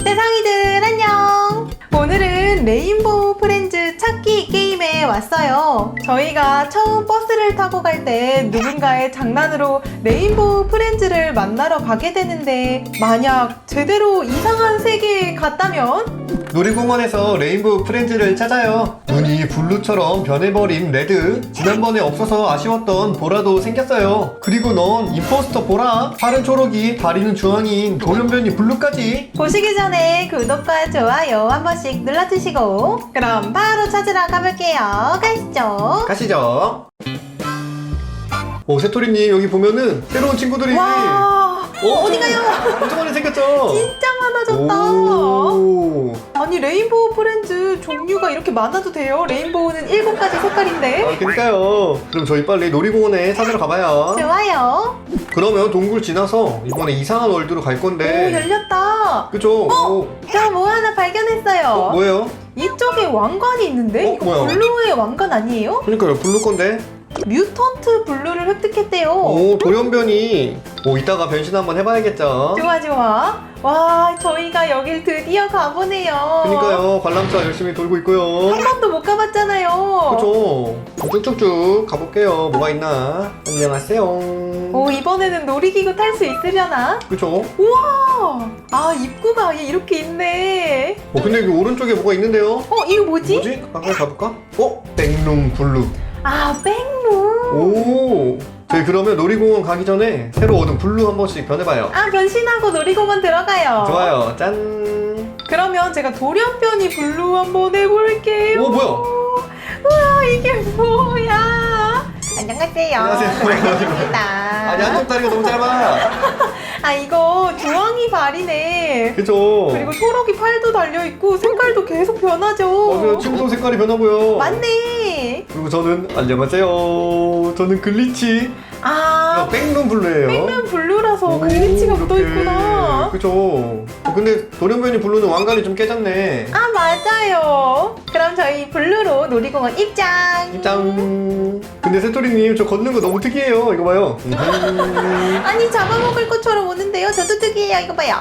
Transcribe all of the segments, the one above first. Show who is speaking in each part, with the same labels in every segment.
Speaker 1: 세상이들 안녕! 오늘은 레인보우 프렌즈 찾기 게임에 왔어요. 저희가 처음 버스를 타고 갈 때 누군가의 장난으로 레인보우 프렌즈를 만나러 가게 되는데 만약 제대로 이상한 세계에 갔다면?
Speaker 2: 놀이공원에서 레인보우 프렌즈를 찾아요. 눈이 블루처럼 변해버린 레드, 지난번에 없어서 아쉬웠던 보라도 생겼어요. 그리고 넌 임포스터 보라, 팔은 초록이, 다리는 주황인 돌연변이 블루까지.
Speaker 1: 보시기 전에 구독과 좋아요 한 번씩 눌러주시고 그럼 바로 찾으러 가볼게요. 가시죠.
Speaker 2: 가시죠. 새토리님 여기 보면은 새로운 친구들이
Speaker 1: 와, 어디 가요?
Speaker 2: 엄청 많이 생겼죠?
Speaker 1: 진짜 많아졌다.
Speaker 2: 오.
Speaker 1: 아니 레인보우 프렌즈 종류가 이렇게 많아도 돼요? 레인보우는 7가지 색깔인데?
Speaker 2: 그러니까요. 그럼 저희 빨리 놀이공원에 찾으러 가봐요.
Speaker 1: 좋아요.
Speaker 2: 그러면 동굴 지나서 이번에 이상한 월드로 갈
Speaker 1: 오,
Speaker 2: 건데.
Speaker 1: 열렸다.
Speaker 2: 그쵸?
Speaker 1: 저 뭐 하나 발견했어요.
Speaker 2: 뭐예요?
Speaker 1: 이쪽에 왕관이 있는데? 이거
Speaker 2: 뭐야?
Speaker 1: 블루의 왕관 아니에요?
Speaker 2: 그러니까요, 블루 건데.
Speaker 1: 뮤턴트 블루를 획득했대요.
Speaker 2: 오, 돌연변이. 이따가 변신 한번 해봐야겠죠.
Speaker 1: 좋아 좋아. 와, 저희가 여길 드디어 가보네요.
Speaker 2: 그러니까요, 관람차 열심히 돌고 있고요.
Speaker 1: 한 번도 못 가봤잖아요.
Speaker 2: 그쵸? 쭉쭉쭉 가볼게요. 뭐가 있나? 안녕하세요.
Speaker 1: 오, 이번에는 놀이기구 탈 수 있으려나?
Speaker 2: 그쵸?
Speaker 1: 우와! 아, 입구가 아예 이렇게 있네.
Speaker 2: 근데 여기 오른쪽에 뭐가 있는데요?
Speaker 1: 이거 뭐지?
Speaker 2: 뭐지? 가까이 가볼까? 백룸 블루.
Speaker 1: 아, 백룸.
Speaker 2: 오. 저희 그러면 놀이공원 가기 전에 새로 얻은 블루 한 번씩 변해봐요.
Speaker 1: 아, 변신하고 놀이공원 들어가요.
Speaker 2: 좋아요. 짠.
Speaker 1: 그러면 제가 돌연변이 블루 한번 해볼게요.
Speaker 2: 오, 뭐야?
Speaker 1: 우와, 이게 뭐야? 안녕하세요.
Speaker 2: 안녕하세요.
Speaker 1: 반갑습니다.
Speaker 2: 아니, 한쪽 다리가 너무 짧아.
Speaker 1: 아, 이거 주황이 발이네.
Speaker 2: 그쵸?
Speaker 1: 그리고 초록이 팔도 달려있고 색깔도 계속 변하죠.
Speaker 2: 맞아요. 춤도 색깔이 변하고요.
Speaker 1: 맞네.
Speaker 2: 그리고 저는 안녕하세요. 저는 글리치.
Speaker 1: 아,
Speaker 2: 백룸 블루예요.
Speaker 1: 백룸 블루라서
Speaker 2: 오,
Speaker 1: 글리치가
Speaker 2: 이렇게.
Speaker 1: 묻어있구나.
Speaker 2: 그쵸. 근데 돌연변이 블루는 왕관이 좀 깨졌네.
Speaker 1: 아, 맞아요. 그럼 저희 블루로 놀이공원 입장.
Speaker 2: 짱. 근데 새토리님 저 걷는 거 너무 특이해요. 이거 봐요.
Speaker 1: 아니, 잡아먹을 것처럼 오는데요. 저도 특이해요. 이거 봐요.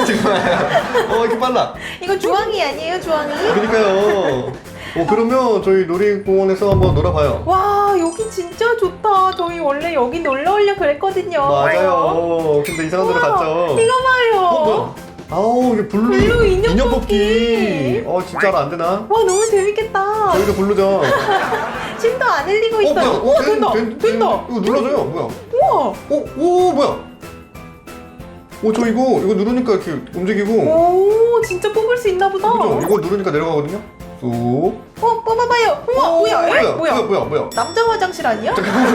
Speaker 2: 정말. 이렇게 빨라.
Speaker 1: 이거 주황이 아니에요, 주황이?
Speaker 2: 그러니까요. 그러면 저희 놀이공원에서 한번 놀아봐요.
Speaker 1: 와, 여기 진짜 좋다. 저희 원래 여기 놀러 오려고 그랬거든요.
Speaker 2: 맞아요. 근데 이상한 데로
Speaker 1: 우와,
Speaker 2: 갔죠.
Speaker 1: 이거 봐요.
Speaker 2: 뭐야? 아우, 이게 블루
Speaker 1: 블루 인형
Speaker 2: 인형
Speaker 1: 뽑기.
Speaker 2: 뽑기. 진짜로 안 되나?
Speaker 1: 와, 너무 재밌겠다.
Speaker 2: 저희도 블루죠.
Speaker 1: 침도 안 흘리고 있어요.
Speaker 2: 뭐야?
Speaker 1: 된다. 된다.
Speaker 2: 이거 눌러줘요. 뭐야?
Speaker 1: 우와.
Speaker 2: 오, 뭐야? 저 이거 누르니까 이렇게 움직이고.
Speaker 1: 오, 진짜 뽑을 수 있나 보다.
Speaker 2: 그죠? 이거 누르니까 내려가거든요. 쏙.
Speaker 1: 뽑아봐요. 우와, 뭐야? 에?
Speaker 2: 뭐야?
Speaker 1: 남자 화장실 아니야?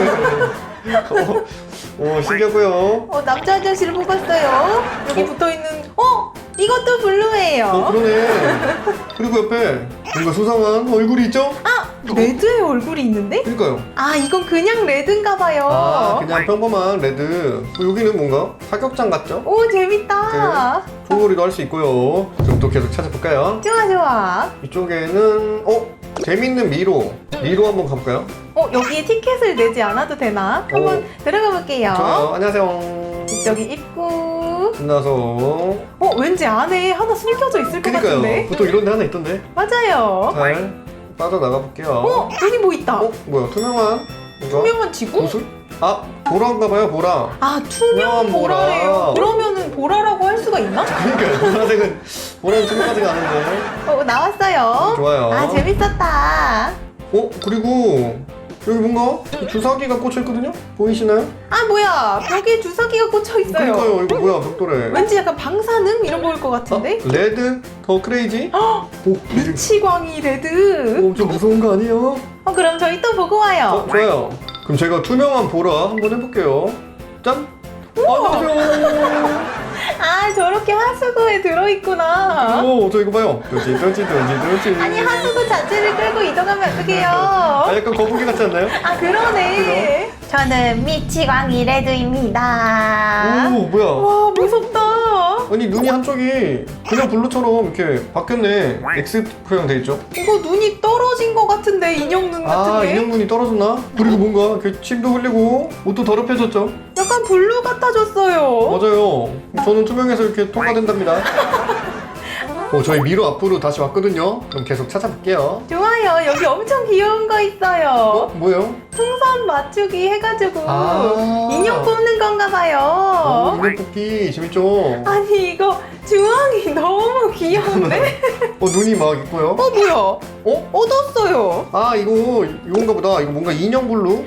Speaker 2: 신기하고요.
Speaker 1: 남자 화장실을 뽑았어요. 여기 붙어있는, 이것도 블루예요.
Speaker 2: 그러네. 그리고 옆에 뭔가 수상한 얼굴이 있죠?
Speaker 1: 레드의 얼굴이 있는데?
Speaker 2: 그러니까요.
Speaker 1: 아, 이건 그냥 레드인가 봐요.
Speaker 2: 그냥 평범한 레드. 여기는 뭔가 사격장 같죠?
Speaker 1: 오, 재밌다.
Speaker 2: 총놀이도 할 수 있고요. 그럼 또 계속 찾아볼까요?
Speaker 1: 좋아, 좋아.
Speaker 2: 이쪽에는 재밌는 미로 한번 가볼까요?
Speaker 1: 여기에 티켓을 내지 않아도 되나? 한번 들어가 볼게요.
Speaker 2: 좋아요. 안녕하세요.
Speaker 1: 여기 입구.
Speaker 2: 신나서.
Speaker 1: 왠지 안에 하나 숨겨져 있을 것 같은데?
Speaker 2: 그니까요. 보통 이런 데 하나 있던데.
Speaker 1: 맞아요.
Speaker 2: 잘 빠져나가 볼게요.
Speaker 1: 여기 뭐 있다.
Speaker 2: 뭐야? 투명한 뭔가?
Speaker 1: 투명한 지구?
Speaker 2: 구슬? 보라인가봐요. 보라.
Speaker 1: 아, 투명
Speaker 2: 투명한 보라.
Speaker 1: 보라예요. 그러면은 보라라고 할 수가 있나?
Speaker 2: 그러니까요. 보라는 투명하지가 않은데.
Speaker 1: 나왔어요.
Speaker 2: 좋아요.
Speaker 1: 아, 재밌었다.
Speaker 2: 그리고 여기 뭔가 주사기가 꽂혀있거든요? 보이시나요?
Speaker 1: 아, 뭐야. 벽에 주사기가 꽂혀 있어요.
Speaker 2: 그러니까요. 이거 뭐야, 벽돌에.
Speaker 1: 왠지 약간 방사능 이런 거일 것 같은데?
Speaker 2: 레드 더 크레이지?
Speaker 1: 미치광이 레드.
Speaker 2: 좀 무서운 거 아니에요?
Speaker 1: 그럼 저희 또 보고 와요.
Speaker 2: 좋아요. 그럼 제가 투명한 보라 한번 해볼게요. 짠! 안녕하세요.
Speaker 1: 아, 저렇게 하수구에 들어있구나.
Speaker 2: 저 이거 봐요. 던지.
Speaker 1: 아니, 하수구 자체를 끌고 이동하면 어떡해요?
Speaker 2: 약간 거북이 같지 않나요?
Speaker 1: 아, 그러네. 저는 미치광이 레드입니다.
Speaker 2: 뭐야.
Speaker 1: 와, 무섭다.
Speaker 2: 아니, 눈이 한쪽이 그냥 블루처럼 이렇게 바뀌었네. X 표형 돼 있죠?
Speaker 1: 이거 눈이 떨어진 것 같은데, 인형 눈 같은데?
Speaker 2: 인형 눈이 떨어졌나? 그리고 뭔가 이렇게 침도 흘리고 옷도 더럽혀졌죠?
Speaker 1: 약간 블루 같아졌어요.
Speaker 2: 맞아요. 저는 투명해서 이렇게 통과된답니다. 저희 미로 앞으로 다시 왔거든요. 그럼 계속 찾아볼게요.
Speaker 1: 좋아요. 여기 엄청 귀여운 거 있어요.
Speaker 2: 뭐예요?
Speaker 1: 풍선 맞추기 해가지고
Speaker 2: 아.
Speaker 1: 인형 뽑는 건가 봐요.
Speaker 2: 인형 뽑기 재밌죠?
Speaker 1: 아니 이거 주황이 너무 귀여운데?
Speaker 2: 눈이 막 있고요.
Speaker 1: 뭐야? 얻었어요.
Speaker 2: 이건가 보다. 이거 뭔가 인형 블루?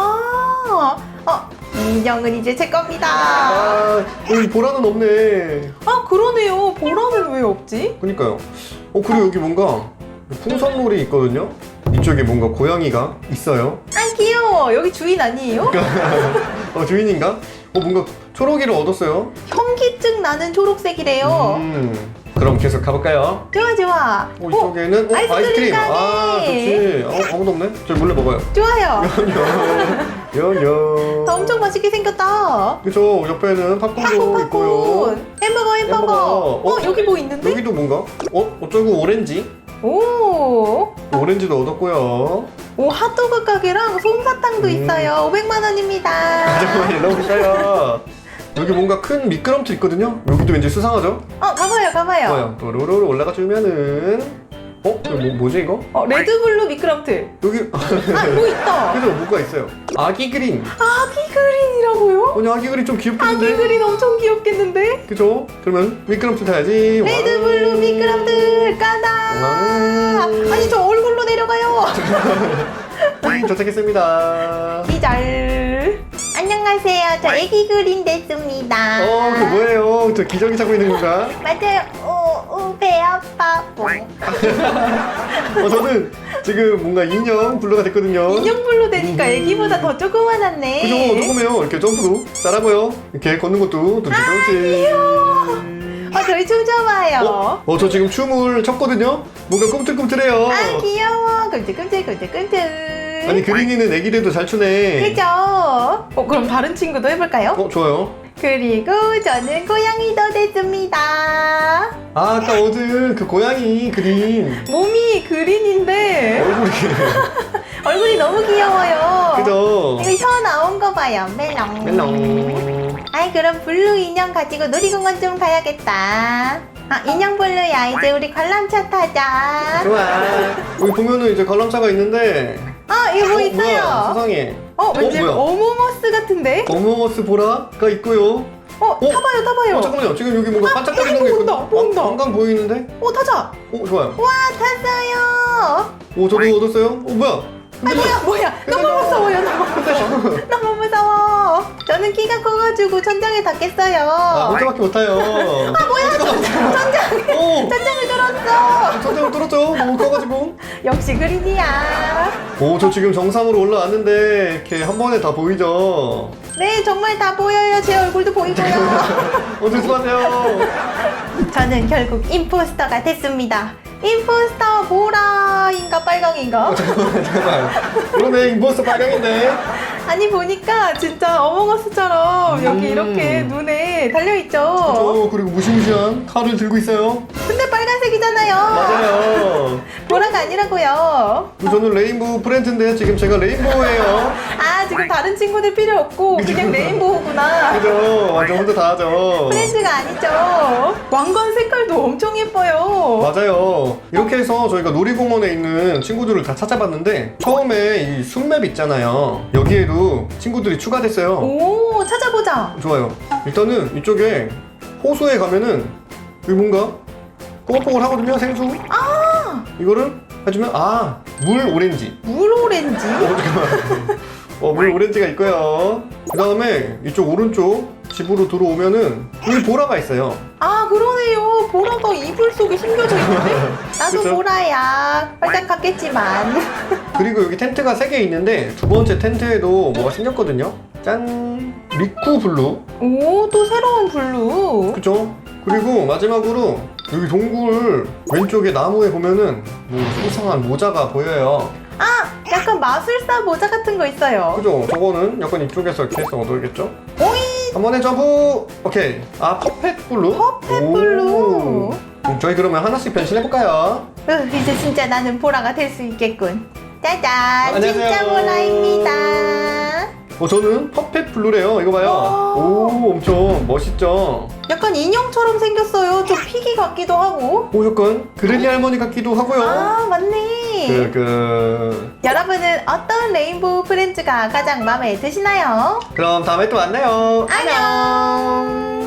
Speaker 1: 인형은 이제 제 겁니다.
Speaker 2: 여기 보라는 없네.
Speaker 1: 그러네요. 보라는 왜 없지?
Speaker 2: 그니까요. 그리고 여기 뭔가 풍선놀이 있거든요. 이쪽에 뭔가 고양이가 있어요.
Speaker 1: 귀여워. 여기 주인 아니에요?
Speaker 2: 주인인가? 뭔가 초록이를 얻었어요.
Speaker 1: 현기증 나는 초록색이래요.
Speaker 2: 그럼 계속 가볼까요?
Speaker 1: 좋아.
Speaker 2: 이쪽에는
Speaker 1: 아이스크림 가게.
Speaker 2: 좋지. 아무도 없네. 저희 몰래 먹어요.
Speaker 1: 좋아요.
Speaker 2: 연연.
Speaker 1: 엄청 맛있게 생겼다.
Speaker 2: 그죠. 옆에는 팝콘도 있고요.
Speaker 1: 햄버거. 여기 뭐 있는데?
Speaker 2: 여기도 뭔가? 어쩌고 오렌지?
Speaker 1: 오,
Speaker 2: 오렌지도 얻었고요.
Speaker 1: 핫도그 가게랑 솜사탕도 있어요. 500만 원입니다.
Speaker 2: 잠깐만요. 너무 비싸요. 여기 뭔가 큰 미끄럼틀 있거든요. 여기도 왠지 수상하죠?
Speaker 1: 가봐요.
Speaker 2: 좋아요. 또 로로로 올라가 주면은 이거 뭐지 이거?
Speaker 1: 레드블루 미끄럼틀.
Speaker 2: 여기
Speaker 1: 뭐 있다.
Speaker 2: 그죠? 뭐가 있어요? 아기 그린.
Speaker 1: 아기 그린이라고요?
Speaker 2: 아니 아기 그린 좀 귀엽겠는데?
Speaker 1: 아기 그린 엄청 귀엽겠는데?
Speaker 2: 그죠? 그러면 미끄럼틀 타야지.
Speaker 1: 레드블루 미끄럼틀 까다. 아니 저 얼굴로 내려가요.
Speaker 2: 도착했습니다.
Speaker 1: 기절. 안녕하세요. 저 애기 그린 됐습니다.
Speaker 2: 그 뭐예요? 저 기저귀 차고 있는 건가?
Speaker 1: 맞아요. 배 아파.
Speaker 2: 저는 지금 뭔가 인형 블루가 됐거든요.
Speaker 1: 인형불로 되니까 애기보다 더 조그만하네.
Speaker 2: 그죠? 조금해요. 이렇게 점프도 잘하고요. 이렇게 걷는 것도 둥지둥지.
Speaker 1: 저희 춤 춰봐요.
Speaker 2: 저 지금 춤을 췄거든요. 뭔가 꿈틀꿈틀해요.
Speaker 1: 귀여워. 끔찍.
Speaker 2: 아니 그린이는 애기들도 잘 추네.
Speaker 1: 그죠? 그럼 다른 친구도 해볼까요?
Speaker 2: 좋아요.
Speaker 1: 그리고 저는 고양이도 됐습니다.
Speaker 2: 아까 얻은 그 고양이 그린
Speaker 1: 몸이 그린인데
Speaker 2: 얼굴이
Speaker 1: 얼굴이 너무 귀여워요.
Speaker 2: 그죠?
Speaker 1: 이거 혀 나온 거 봐요. 멜롱. 그럼 블루 인형 가지고 놀이공원 좀 가야겠다. 인형 블루야. 이제 우리 관람차 타자.
Speaker 2: 좋아. 여기 보면은 이제 관람차가 있는데
Speaker 1: 이거 뭐
Speaker 2: 뭐야,
Speaker 1: 있어요?
Speaker 2: 세상에.
Speaker 1: 왠지
Speaker 2: 뭐야?
Speaker 1: 어몽어스 같은데?
Speaker 2: 어몽어스 보라가 있고요.
Speaker 1: 타봐요.
Speaker 2: 잠깐만요. 지금 여기 뭔가 반짝거리는 게
Speaker 1: 여기
Speaker 2: 있거든요.
Speaker 1: 보인다.
Speaker 2: 왕관 보이는데?
Speaker 1: 타자.
Speaker 2: 좋아요.
Speaker 1: 와, 탔어요.
Speaker 2: 저도 얻었어요. 뭐야?
Speaker 1: 뭐야. 너무 무서워요. 너무 무서워. 저는 키가 커가지고 천장에 닿겠어요.
Speaker 2: 혼자밖에 못 타요.
Speaker 1: 뭐야. 천장을 뚫었어.
Speaker 2: 천장을 뚫었죠? 너무 커가지고.
Speaker 1: 역시 그린이야.
Speaker 2: 저 지금 정상으로 올라왔는데 이렇게 한 번에 다 보이죠?
Speaker 1: 네, 정말 다 보여요. 제 얼굴도 보이고요.
Speaker 2: 조심하세요.
Speaker 1: 저는 결국 임포스터가 됐습니다. 임포스터 보라인가 빨강인가?
Speaker 2: 잠깐만. 그러네, 임포스터 빨강인데.
Speaker 1: 아니 보니까 진짜 어몽어스처럼 여기 이렇게 눈에 달려있죠?
Speaker 2: 그리고 무시무시한 칼을 들고 있어요.
Speaker 1: 근데 빨간색이잖아요.
Speaker 2: 맞아요.
Speaker 1: 보라가 아니라고요.
Speaker 2: 저는 레인보우 프렌즈인데 지금 제가 레인보우예요.
Speaker 1: 지금 다른 친구들 필요 없고 그냥 레인보우구나.
Speaker 2: 그죠? 완전 혼자 다 하죠.
Speaker 1: 프렌즈가 아니죠. 왕관 색깔도 엄청 예뻐요.
Speaker 2: 맞아요. 이렇게 해서 저희가 놀이공원에 있는 친구들을 다 찾아봤는데 처음에 이 숲맵 있잖아요. 여기에도 친구들이 추가됐어요.
Speaker 1: 오, 찾아보자.
Speaker 2: 좋아요. 일단은 이쪽에 호수에 가면은 여기 뭔가 뽀글뽀글 하거든요. 생수. 이거를 해주면 물 오렌지.
Speaker 1: 물 오렌지?
Speaker 2: 잠깐만. 물 오렌지가 있고요. 그 다음에 이쪽 오른쪽 집으로 들어오면은 여기 보라가 있어요.
Speaker 1: 그러네요. 보라가 이불 속에 숨겨져 있는데? 나도
Speaker 2: 그쵸?
Speaker 1: 보라야. 빨딱 갔겠지만.
Speaker 2: 그리고 여기 텐트가 3개 있는데 두 번째 텐트에도 뭐가 생겼거든요. 짠! 리쿠 블루.
Speaker 1: 오, 또 새로운 블루.
Speaker 2: 그쵸? 그리고 마지막으로 여기 동굴 왼쪽에 나무에 보면은 뭐 수상한 모자가 보여요.
Speaker 1: 약간 마술사 모자 같은 거 있어요.
Speaker 2: 그죠? 저거는 약간 이쪽에서 이렇게 해서 얻어야겠죠?
Speaker 1: 오이!
Speaker 2: 한 번에 점프! 오케이. 퍼펫 블루?
Speaker 1: 퍼펫 블루.
Speaker 2: 저희 그러면 하나씩 변신해볼까요?
Speaker 1: 이제 진짜 나는 보라가 될 수 있겠군. 짜잔!
Speaker 2: 안녕하세요.
Speaker 1: 진짜 보라입니다.
Speaker 2: 저는 퍼펫 블루래요. 이거 봐요. 오, 엄청 멋있죠?
Speaker 1: 약간 인형처럼 생겼어요. 좀 피기 같기도 하고.
Speaker 2: 오, 약간 그레니 할머니 같기도 하고요.
Speaker 1: 아, 맞네. 여러분은 어떤 레인보우 프렌즈가 가장 마음에 드시나요?
Speaker 2: 그럼 다음에 또 만나요.
Speaker 1: 안녕.